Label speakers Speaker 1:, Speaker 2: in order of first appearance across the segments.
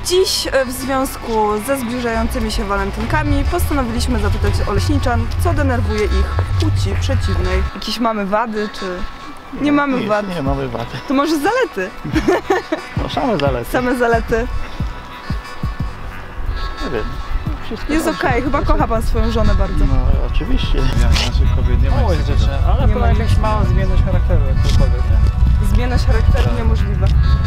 Speaker 1: Dziś w związku ze zbliżającymi się walentynkami postanowiliśmy zapytać oleśniczan, co denerwuje ich w płci przeciwnej. Jakieś mamy wady, czy nie mamy wad?
Speaker 2: Nie mamy wady.
Speaker 1: To może zalety?
Speaker 2: No same zalety.
Speaker 1: Same zalety.
Speaker 2: Nie wiem.
Speaker 1: Jest okej, chyba kocha pan swoją żonę bardzo.
Speaker 2: No oczywiście.
Speaker 3: Ja naszych kobiet nie ma
Speaker 2: rzeczy, ale
Speaker 1: Nie
Speaker 2: chyba
Speaker 1: ma
Speaker 2: jakaś
Speaker 1: nic.
Speaker 2: mała zmienność charakteru jakkolwiek, nie?
Speaker 1: Zmienność charakteru
Speaker 3: Tak.
Speaker 1: niemożliwa.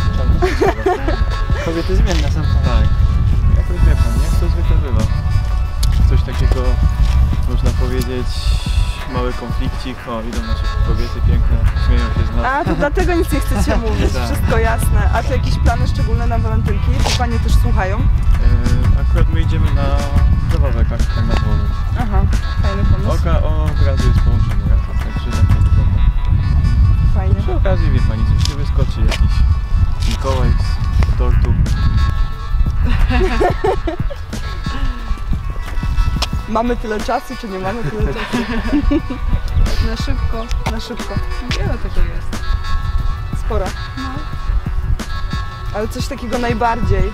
Speaker 2: Kobiety zmienne są.
Speaker 3: Tak. Jakoś wie pan, nie? To zwykle bywa. Coś takiego, można powiedzieć, mały konflikcik. O, idą nasze kobiety piękne, śmieją się z nas.
Speaker 1: A, to dlatego nic nie chcecie mówić,
Speaker 3: Tak.
Speaker 1: wszystko jasne. A czy jakieś plany szczególne na walentynki? Czy panie też słuchają?
Speaker 3: Akurat my idziemy na zabawę, tak na dworze.
Speaker 1: Aha, fajny pomysł.
Speaker 3: Od razu jest połączony, także tak to wygląda.
Speaker 1: Fajnie.
Speaker 3: Przy okazji, wie pani, coś się wyskoczy, jakiś Mikołaj z tortu.
Speaker 1: Mamy tyle czasu, czy nie mamy tyle czasu? Na szybko, na szybko.
Speaker 4: Wiele tego jest.
Speaker 1: Spora. Ale coś takiego najbardziej.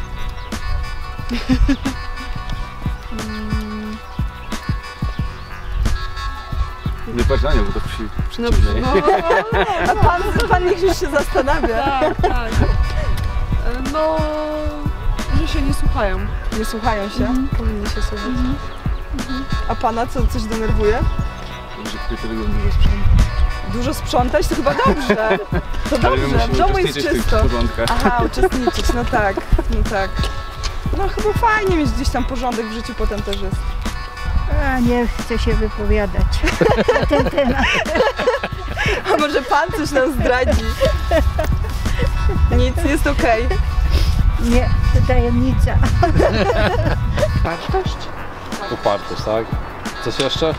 Speaker 3: Nie patrz na nią, bo to przeciwnej.
Speaker 1: A pan niech już się zastanawia.
Speaker 4: Tak, tak. No, że się nie słuchają.
Speaker 1: Nie słuchają się, powinni się słuchać. A pana coś denerwuje?
Speaker 3: Że kobiety lubią dużo sprzętu.
Speaker 1: Dużo sprzątać? To chyba dobrze. To dobrze, w domu jest czysto. Aha, uczestniczyć, no tak, no tak. No chyba fajnie mieć gdzieś tam porządek w życiu potem też jest.
Speaker 5: A nie chcę się wypowiadać na ten temat.
Speaker 1: A może pan coś nam zdradzi? Nic, jest okej.
Speaker 5: Nie, to tajemnica.
Speaker 4: Wartość?
Speaker 6: Upartość, tak? Coś jeszcze?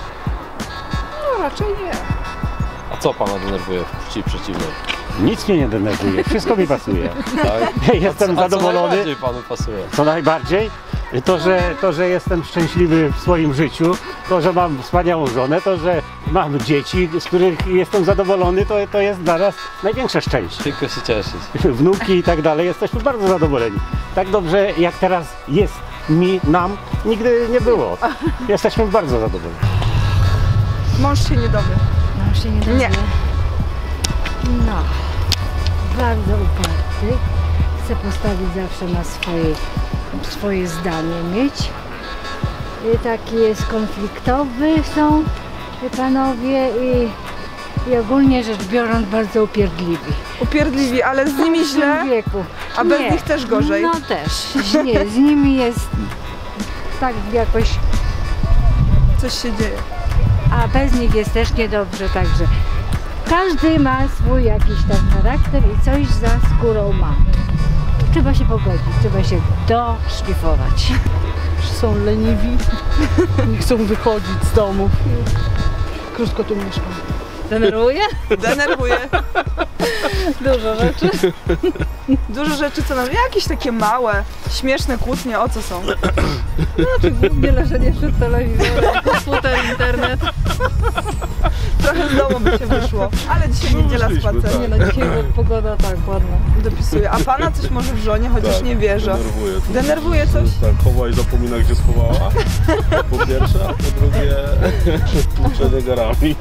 Speaker 4: No raczej nie.
Speaker 6: A co pana denerwuje w płci przeciwnej?
Speaker 7: Nic mnie nie denerwuje, wszystko mi pasuje.
Speaker 6: Tak?
Speaker 7: Jestem
Speaker 6: A
Speaker 7: zadowolony.
Speaker 6: co najbardziej panu pasuje?
Speaker 7: Co najbardziej? To, że jestem szczęśliwy w swoim życiu, to, że mam wspaniałą żonę, to, że mam dzieci, z których jestem zadowolony, to jest dla nas największe szczęście.
Speaker 6: Tylko się cieszyć.
Speaker 7: Wnuki i tak dalej, jesteśmy bardzo zadowoleni. Tak dobrze jak teraz jest nam, nigdy nie było. Jesteśmy bardzo zadowoleni.
Speaker 1: Mąż się nie dowie.
Speaker 5: No się nie dowie.
Speaker 1: Nie.
Speaker 5: No, bardzo uparty. Chce postawić zawsze na swoje zdanie mieć. I taki jest konfliktowy są panowie i ogólnie rzecz biorąc bardzo upierdliwi.
Speaker 1: Upierdliwi, ale z nimi
Speaker 5: W tym
Speaker 1: źle,
Speaker 5: wieku.
Speaker 1: a bez
Speaker 5: Nie.
Speaker 1: nich też gorzej.
Speaker 5: No też, źle. Z nimi jest tak jakoś,
Speaker 1: Coś się dzieje.
Speaker 5: a bez nich jest też niedobrze, także każdy ma swój jakiś tam charakter i coś za skórą ma. Trzeba się pogodzić, trzeba się doszlifować.
Speaker 4: Są leniwi, nie chcą wychodzić z domów. Krótko tu mieszkam.
Speaker 5: Denerwuje?
Speaker 1: Denerwuje.
Speaker 5: Dużo rzeczy.
Speaker 1: Dużo rzeczy, co nam... Jakieś takie małe, śmieszne kłótnie, o co są?
Speaker 4: Znaczy głównie leżenie przed telewizorem, komputer, internet.
Speaker 1: Trochę z domu by się wyszło. Ale dzisiaj niedziela spacer.
Speaker 4: Nie no, dzisiaj pogoda tak ładna.
Speaker 1: Dopisuje. A pana coś może w żonie, chociaż nie wierzę.
Speaker 8: Denerwuje.
Speaker 1: Denerwuje coś?
Speaker 8: Tak, chowa i zapomina, gdzie schowała. Po pierwsze, a po drugie przed zegarami.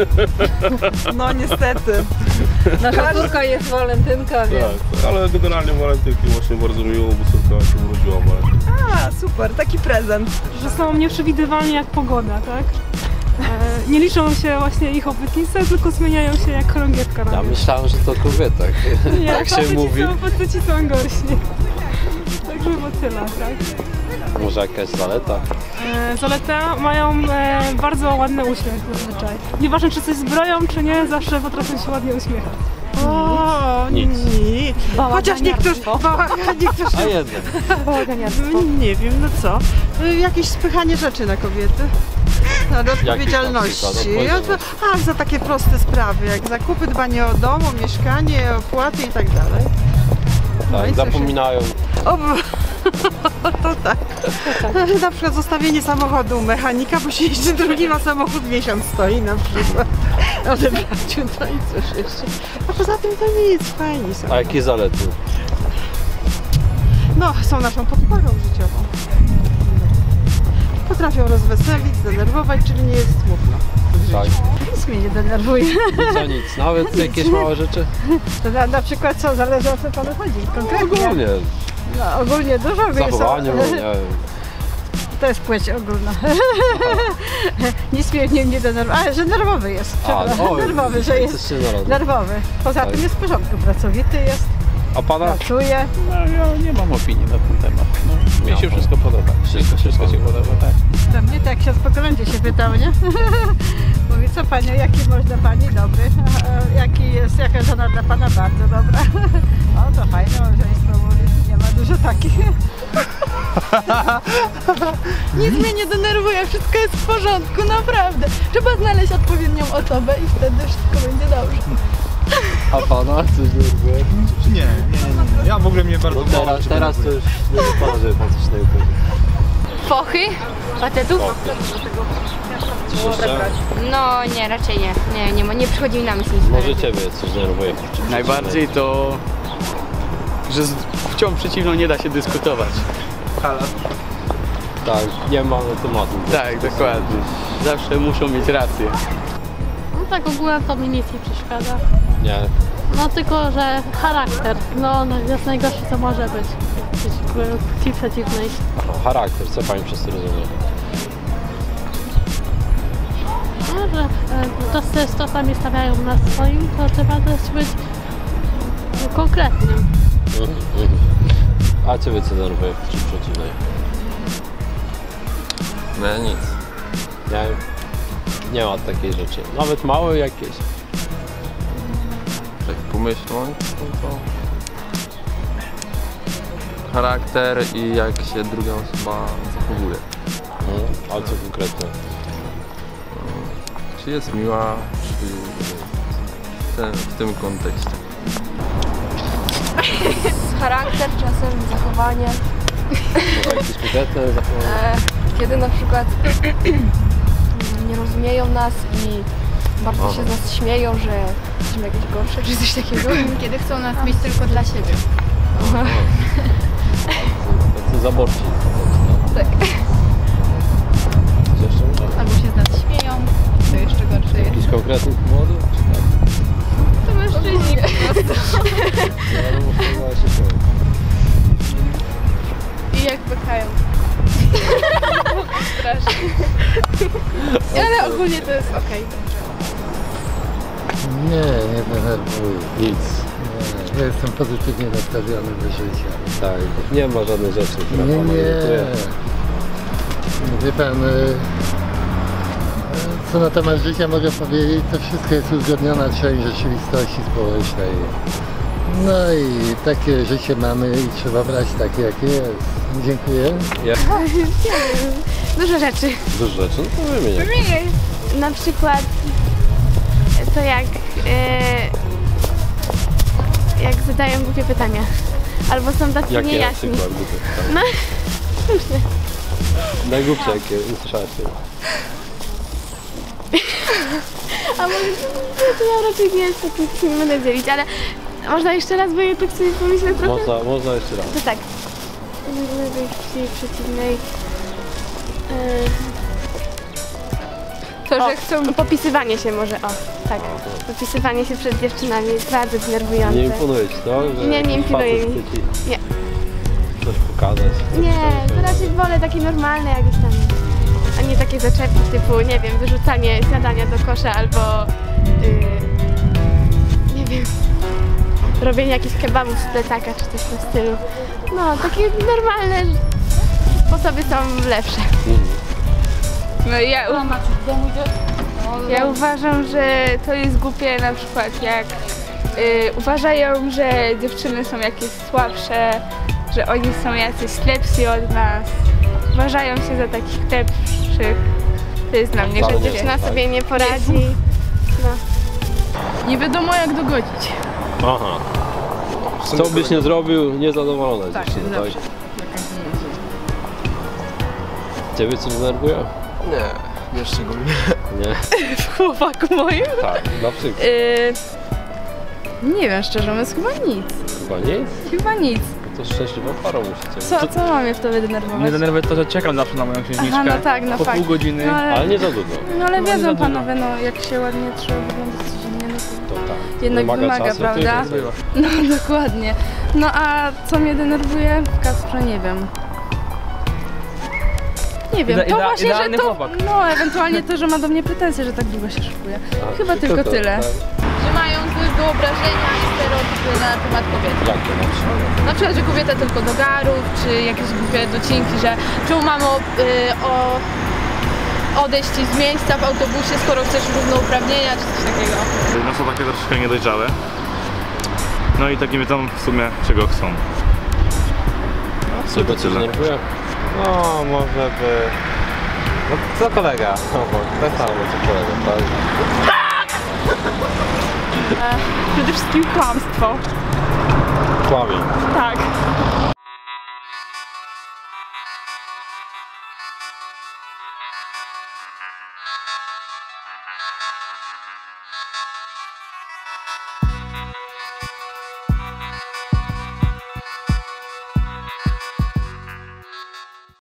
Speaker 1: No niestety.
Speaker 4: Nasza córka jest walentynka, więc
Speaker 8: Tak, ale generalnie walentynki właśnie bardzo miło, bo córka się urodziła walentynki.
Speaker 1: A, super, taki prezent.
Speaker 9: Że są nieprzewidywalni jak pogoda, tak? Nie liczą się właśnie ich obietnice, tylko zmieniają się jak chorągiewka na
Speaker 6: Ja
Speaker 9: wierzch.
Speaker 6: myślałem, że to kobietek.
Speaker 9: Nie,
Speaker 6: Tak się mówi.
Speaker 9: faceci są gorsi. Także chyba tyle, tak?
Speaker 6: Może jakaś zaleta?
Speaker 9: Zaleta mają bardzo ładny uśmiech zazwyczaj. Nieważne czy coś zbroją, czy nie, zawsze potrafią się ładnie uśmiechać.
Speaker 4: O,
Speaker 6: Nic.
Speaker 4: Chociaż niektórzy,
Speaker 6: A jeden.
Speaker 4: no, nie wiem, no co, jakieś spychanie rzeczy na kobiety. No, do odpowiedzialności.
Speaker 6: Odpowiedzialność?
Speaker 4: A, za takie proste sprawy, jak zakupy, dbanie o dom, o mieszkanie, opłaty i tak dalej. No i
Speaker 6: Tak,
Speaker 4: co się-
Speaker 6: zapominają.
Speaker 4: O, to tak. Na przykład zostawienie samochodu u mechanika, bo się jeszcze drugi ma samochód, miesiąc stoi na przykład. Odebrać to i coś jeszcze. A poza tym to nic, fajni są.
Speaker 6: A jakie zalety?
Speaker 4: no, są naszą podporą życiową. Potrafią rozweselić, zdenerwować, czyli nie jest smutno.
Speaker 6: Tak.
Speaker 5: Nic mnie nie denerwuje.
Speaker 6: Co nic, nawet jakieś małe rzeczy?
Speaker 5: To na przykład co, zależy o co panu chodzi konkretnie?
Speaker 6: Ogólnie,
Speaker 5: No, ogólnie dużo
Speaker 6: w zachowaniu, nie wiem.
Speaker 5: To jest płeć ogólna. Nic mnie nie denerwuje. A, że nerwowy jest. Nerwowy, że jest nerwowy. Poza tym jest w porządku, pracowity jest.
Speaker 6: A pana?
Speaker 5: Pracuje.
Speaker 2: No ja nie mam opinii na ten temat. No, mi się wszystko podoba. Wszystko się podoba, tak.
Speaker 5: To mnie tak ksiądz po kolędzie się pytał, nie? Mówi, co panią, jaki można pani dobry? Jaka żona dla pana bardzo dobra. O, to fajne małżeństwo, mówi, nie ma dużo takich.
Speaker 1: Nic mnie nie denerwuje, wszystko jest w porządku, naprawdę. Trzeba znaleźć odpowiednią osobę i wtedy wszystko będzie dobrze.
Speaker 6: A pana coś denerwuje?
Speaker 3: Nie. Ja w ogóle mnie bardzo mało
Speaker 6: Teraz to już nie wypada, żeby pan coś denerwuje.
Speaker 10: Fochy? Facetów?
Speaker 6: Coś jeszcze?
Speaker 10: No nie, raczej nie. Nie przychodzi mi na myśl nic.
Speaker 6: Może ciebie coś denerwuje?
Speaker 2: Najbardziej to, że z płcią przeciwną nie da się dyskutować.
Speaker 6: Tak, nie ma tematu.
Speaker 2: Tak, dokładnie. Zawsze muszą mieć rację.
Speaker 11: No tak ogólnie to mi nic nie przeszkadza.
Speaker 6: Nie.
Speaker 11: No tylko, że charakter, no jest najgorsze co może być płci przeciwnej.
Speaker 6: Charakter, co pani przez to rozumie?
Speaker 11: No, że czasami stawiają na swoim, to trzeba też być konkretnym.
Speaker 6: A ciebie co denerwuje przy przeciwnej?
Speaker 8: No nic.
Speaker 6: Nie ma takiej rzeczy. Nawet małe jakieś.
Speaker 8: Tak pomyśląc, to charakter i jak się druga osoba zachowuje.
Speaker 6: A co konkretnie?
Speaker 8: Czy jest miła, czy w tym kontekście.
Speaker 10: Charakter, czasem zachowanie.
Speaker 6: Jakieś konkretne zachowanie?
Speaker 10: Kiedy na przykład nie rozumieją nas i bardzo się z nas śmieją, że jesteśmy jakieś gorsze, czy coś takiego. Kiedy chcą nas mieć tylko dla siebie.
Speaker 6: Tacy zaborczy.
Speaker 10: Tak.
Speaker 6: Coś jeszcze może?
Speaker 10: Albo się z nas śmieją, to jeszcze gorsze jest.
Speaker 6: Jakiś konkretny powód? Czy tak?
Speaker 10: To mężczyźni po prostu.
Speaker 6: Ja no, się śmieję.
Speaker 10: I jak pychają. Strasznie. Ale ogólnie to jest okej.
Speaker 12: Nie denerwuję.
Speaker 6: Nic.
Speaker 12: Nie, ja jestem pozytywnie nastawiony do życia.
Speaker 6: Tak, nie ma żadnej rzeczy, która
Speaker 12: Nie.
Speaker 6: pana irytuje.
Speaker 12: Wie pan, co na temat życia mogę powiedzieć, to wszystko jest uzgodniona część rzeczywistości społecznej. No i takie życie mamy i trzeba brać takie, jakie jest. Dziękuję.
Speaker 10: Dużo rzeczy.
Speaker 6: Dużo rzeczy? No to wymienię.
Speaker 10: Na przykład to jak zadają głupie pytania. Albo są tacy
Speaker 6: Jakie
Speaker 10: niejasni.
Speaker 6: na przykład głupie pytania?
Speaker 10: No, różne.
Speaker 6: Najgłupsze jakie usłyszałeś?
Speaker 10: A może to ja raczej nie jest taki, nie będę dzielić, ale można jeszcze raz, bo ja tak sobie pomyślę trochę.
Speaker 6: Można jeszcze raz.
Speaker 10: To tak. Płci przeciwnej. To, że chcą... Popisywanie się może, tak. Popisywanie się przed dziewczynami jest bardzo denerwujące.
Speaker 6: Nie imponuje ci to? Że
Speaker 10: nie imponuje mi. Nie.
Speaker 6: Coś pokazać?
Speaker 10: Nie, to raczej wolę takie normalne jakieś tam, a nie takie zaczepki typu, nie wiem, wyrzucanie śniadania do kosza albo, nie wiem, robienie jakichś kebabów z plecaka czy coś w tym stylu. No, takie normalne sposoby są lepsze.
Speaker 13: No ja uważam, że to jest głupie na przykład jak uważają, że dziewczyny są jakieś słabsze, że oni są jacyś lepsi od nas. Uważają się za takich lepszych. To jest dla mnie, że dziewczyna sobie nie poradzi. No.
Speaker 1: Nie wiadomo jak dogodzić.
Speaker 6: Aha. Co byś nie zrobił, niezadowolona
Speaker 1: Tak,
Speaker 6: dziewczyna, tak?
Speaker 1: zawsze.
Speaker 6: Ciebie coś denerwuje?
Speaker 3: Nie szczególnie.
Speaker 6: Nie?
Speaker 1: W chłopaku moim?
Speaker 6: Tak, na przykład.
Speaker 1: Nie wiem, szczerze mówiąc, chyba nic.
Speaker 6: Chyba nic?
Speaker 1: Chyba nic.
Speaker 6: To szczęśliwa para musicie.
Speaker 13: Co mam je wtedy denerwować?
Speaker 3: Mnie denerwuje to, że czekam zawsze na moją księżniczkę.
Speaker 13: Aha, no tak, no
Speaker 3: po
Speaker 13: fakt.
Speaker 3: pół godziny.
Speaker 13: No,
Speaker 6: Ale nie za dużo.
Speaker 13: No ale
Speaker 3: No, nie
Speaker 13: wiedzą
Speaker 3: za dużo.
Speaker 13: panowie, no jak się ładnie trzeba wyglądać codziennie, no to
Speaker 6: To tak.
Speaker 13: jednak wymaga,
Speaker 6: czasu,
Speaker 13: prawda?
Speaker 6: to jest
Speaker 13: No dokładnie. No a co mnie denerwuje w Kasprze, nie wiem. Nie wiem, to właśnie, że
Speaker 3: idealny
Speaker 13: to,
Speaker 3: chłopak.
Speaker 13: no ewentualnie to, że ma do mnie pretensje, że tak długo się szykuje. Chyba tylko tyle.
Speaker 14: Że mają złe wyobrażenia i stereotypy na temat kobiet.
Speaker 6: Jakie na przykład?
Speaker 14: Na przykład, że kobieta tylko do garów, czy jakieś głupie docinki, że czemu mamy odejść z miejsca w autobusie, skoro chcesz równouprawnienia, czy coś takiego.
Speaker 8: No są takie troszkę niedojrzałe. No i takie wiedzą w sumie czego chcą.
Speaker 6: Czego ci denerwuje?
Speaker 15: No, może by... No, co kolega? No, bo tak samo co kolega, tak?
Speaker 13: Przede wszystkim kłamstwo.
Speaker 6: Kłamie.
Speaker 13: Tak.